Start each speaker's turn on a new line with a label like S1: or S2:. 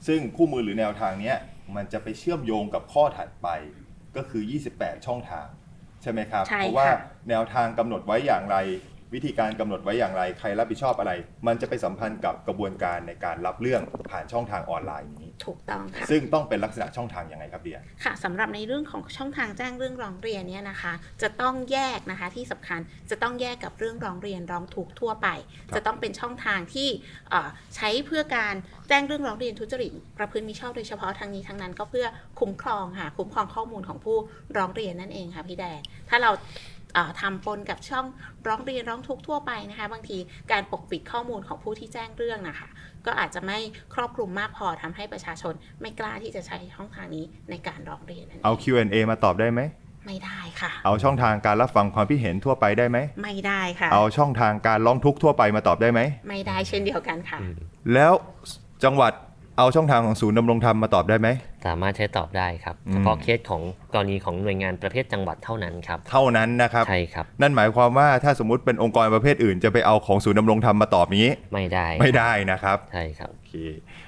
S1: ซึ่งคู่มือหรือแนวทางเนี้ยมันจะไปเชื่อมโยงกับข้อถัดไปก็คือ28ช่องทางใช่ไหมครับเพราะว่าแนวทางกำหนดไว้อย่างไรวิธีการกำหนดไว้อย่างไรใครรับผิดชอบอะไรมันจะไปสัมพันธ์กับกระบวนการในการรับเรื่องผ่านช่องทางออนไลน์นี้
S2: ถูกต้องค่ะ
S1: ซึ่งต้องเป็นลักษณะช่องทางยังไงครับเดีย
S2: ค่ะสำหรับในเรื่องของช่องทางแจ้งเรื่องร้องเรียนเนี่ยนะคะจะต้องแยกนะคะที่สำคัญจะต้องแยกกับเรื่องร้องเรียนร้องทุกข์ทั่วไปจะต้องเป็นช่องทางที่ใช้เพื่อการแจ้งเรื่องร้องเรียนทุจริตประพฤติมิชอบโดยเฉพาะทางนี้ทั้งนั้นก็เพื่อคุ้มครองค่ะคุ้มครองข้อมูลของผู้ร้องเรียนนั่นเองค่ะพี่แดนถ้าเราทำปนกับช่องร้องเรียนร้องทุกข์ทั่วไปนะคะบางทีการปกปิดข้อมูลของผู้ที่แจ้งเรื่องนะคะก็อาจจะไม่ครอบคลุมมากพอทำให้ประชาชนไม่กล้าที่จะใช้ช่องทางนี้ในการร้องเรียน
S1: เอา Q&A มาตอบได้ไหม
S2: ไม่ได้ค่ะ
S1: เอาช่องทางการรับฟังความคิดเห็นทั่วไปได้ไหม
S2: ไม่ได้ค่ะ
S1: เอาช่องทางการร้องทุกข์ทั่วไปมาตอบได้ไหม
S2: ไม่ได้เช่นเดียวกันค่ะ
S1: แล้วจังหวัดเอาช่องทางของศูนย์ดำรงธรรมมาตอบได้ไหม
S3: สามารถใช้ตอบได้ครับเฉพาะเคสของกรณีของหน่วยงานประเภทจังหวัดเท่านั้นครับ
S1: เท่านั้นนะครับ
S3: ใช่ครับ
S1: นั่นหมายความว่าถ้าสมมุติเป็นองค์กรประเภทอื่นจะไปเอาของศูนย์ดำรงธรรมมาตอบนี้
S3: ไม่ได้
S1: นะครับ
S3: ใช่ครับ
S1: โอเค